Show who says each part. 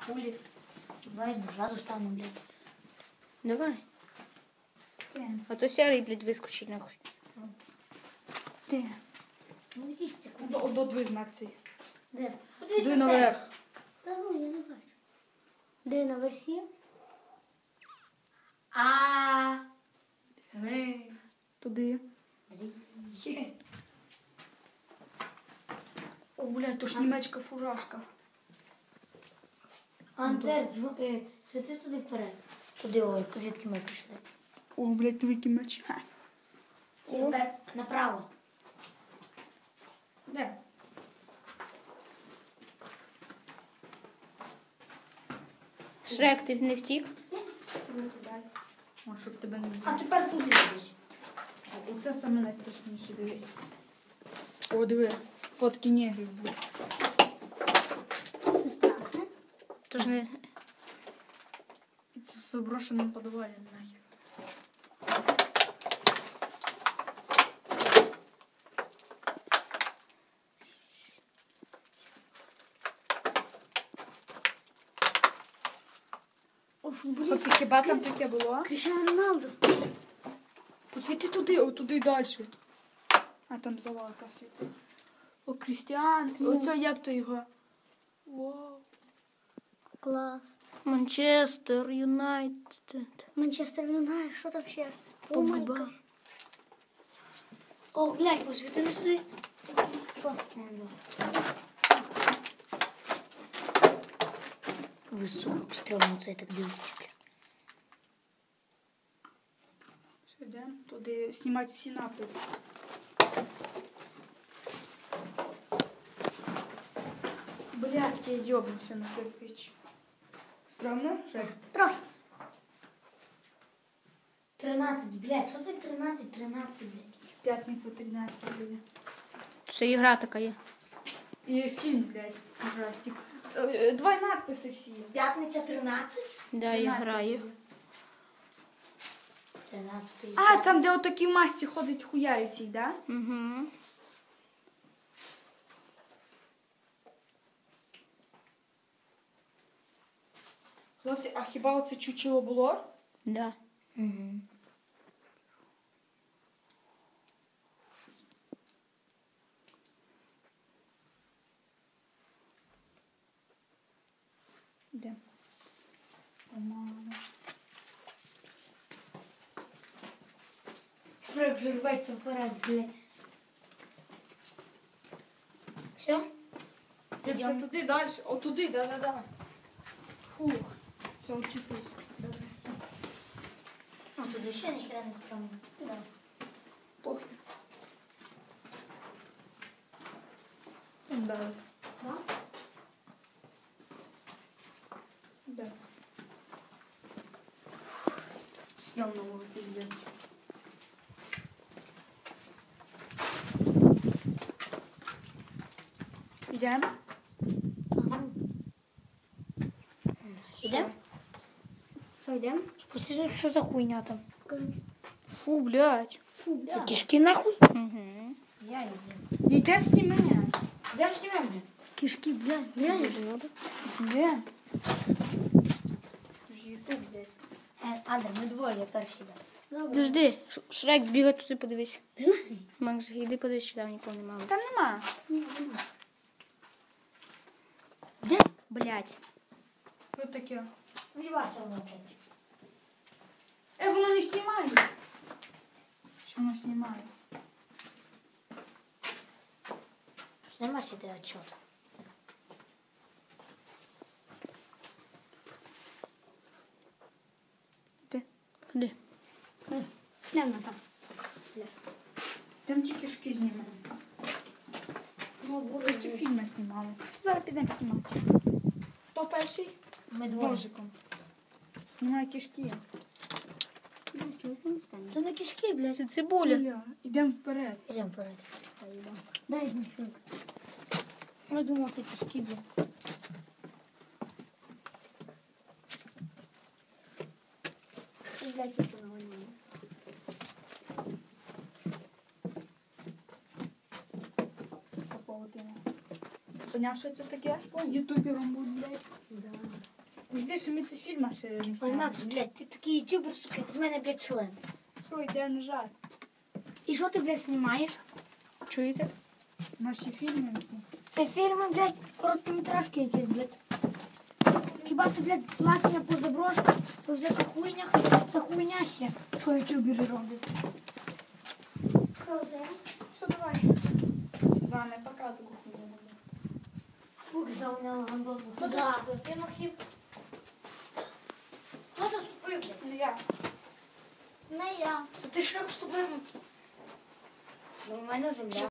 Speaker 1: Пулі. Давай, зразу стану, блядь.
Speaker 2: Давай.
Speaker 1: Де?
Speaker 2: А то сярий, блядь, вискочить нахуй.
Speaker 1: Де? Ну йдіть секунду.
Speaker 3: До дві знак цей.
Speaker 1: Де?
Speaker 3: Дуй наверх.
Speaker 1: Та ну, я не бачу. Де на версі? Ми.
Speaker 3: Туди.
Speaker 1: Є.
Speaker 3: О, блядь, то ж німецька фуражка.
Speaker 1: Андер, світи туди вперед. Туди, ой, звідки ми прийшли.
Speaker 3: О, блядь, великий меч. Ха.
Speaker 1: Тепер направо.
Speaker 3: Де?
Speaker 2: Шрек, ти не втік?
Speaker 3: Дай. О, щоб тебе не
Speaker 1: А
Speaker 3: було.
Speaker 1: тепер туди десь.
Speaker 3: Оце саме найстрашніше, дивись. О, диви, фотки негрів будуть.
Speaker 1: Це страшно.
Speaker 2: Тож не...
Speaker 3: І це з заброшеним подвалом нахер.
Speaker 1: Оф, блін.
Speaker 3: Хлопці, хіба там таке було?
Speaker 1: Кріштіану Роналду.
Speaker 3: Посвіти туди, отуди далі. А там завалка світи. О, Крістіан. Оце як то його? Вау.
Speaker 1: Клас.
Speaker 2: Манчестер Юнайтед.
Speaker 1: Манчестер Юнайтед, що там ще? О,
Speaker 2: Погба.
Speaker 1: май гад. О, глянь, посвіти не сюди. Що? Високо, стрьомно це так дивиться, бля.
Speaker 3: Все, йдемо туди знімати всі написи. Блядь, я йобнувся на кирпич. Стромно? Ще?
Speaker 1: Трохи. 13, блядь, що це 13, 13, блядь?
Speaker 3: П'ятниця 13 буде.
Speaker 2: Це ігра така є.
Speaker 3: І фільм, блядь, ужастик. Два надписи всі.
Speaker 1: П'ятниця 13?
Speaker 2: Да, ігра є.
Speaker 1: 13.
Speaker 3: А, там, де отакі в масці ходить хуярі цій, да?
Speaker 2: Угу.
Speaker 3: Хлопці, а хіба оце чучело було?
Speaker 2: Да.
Speaker 1: Угу.
Speaker 3: Де? Помало.
Speaker 1: Шрек вже рветься вперед, блядь. Все?
Speaker 3: Йдемо туди далі. О, туди, да-да-да. Фух. Все, учитись.
Speaker 1: Добре, все. Ну, тут ще ніхера не стрьомно. Да.
Speaker 3: Похуй. Там далі.
Speaker 1: Да?
Speaker 3: Да. Стрёмно было, пиздец. Идем?
Speaker 1: Ага. Ідем? Що, йдем?
Speaker 2: Спусти, що за хуйня там?
Speaker 3: Фу, блядь.
Speaker 1: Фу,
Speaker 2: Це
Speaker 1: да.
Speaker 2: кишки нахуй? Угу.
Speaker 1: Я йду.
Speaker 3: Идем сними.
Speaker 1: Йдем знімемо, блядь.
Speaker 3: Кишки, блядь.
Speaker 1: Реально?
Speaker 3: Идем. Ютуб, блядь.
Speaker 1: Андер, ми двоє, я перший йдем. Добре.
Speaker 2: Подожди, Шрек, збігай туди, подивись. Макс, іди подивись, чи там нікого немає.
Speaker 3: Там нема.
Speaker 2: Де? Блять.
Speaker 3: Вот таке.
Speaker 1: Мій Вася внуки.
Speaker 3: Воно не знімає. Що воно знімає?
Speaker 1: Нема ще ти отчет.
Speaker 3: Де?
Speaker 2: Куди?
Speaker 1: Йдем назад.
Speaker 3: Там ті кишки знімаємо.
Speaker 1: Ну,
Speaker 3: Ви ж ці фільми знімали. Зараз підемо знімати. Хто перший?
Speaker 1: Ми
Speaker 3: З
Speaker 1: двоє.
Speaker 3: ножиком. Знімай кишки.
Speaker 1: Це не кишки, блядь.
Speaker 2: Це цибуля.
Speaker 3: Бля, ідемо вперед.
Speaker 1: Ідем вперед. Дай значок. Я думав, це кишки, блядь. Блядь, я поняла.
Speaker 3: Поняв, що це таке? Ютубером будь, блядь.
Speaker 1: Да.
Speaker 3: Жди, що ми цей фільм ще не
Speaker 1: Ой,
Speaker 3: зняли.
Speaker 1: Макс, блядь, ти такий ютубер, сука, з мене, блядь, член.
Speaker 3: Що, йде нажати?
Speaker 1: І що ти, блядь, знімаєш?
Speaker 2: Чуєте?
Speaker 3: Наші фільми ці.
Speaker 1: Це фільми, блядь, короткометражки якісь, блядь. Хіба це, блядь, ласення по заброшках, по всяких хуйнях, це хуйня ще, що ютубери роблять. Що це?
Speaker 3: Все, давай. Зане, пока таку хуйню буде.
Speaker 1: Фух, зауняла гандону. Хто це ступив? Ти, Максим? Хто це ступив, блядь?
Speaker 3: Не я.
Speaker 1: Не я. Це ти що ступив? Ну, у мене земля.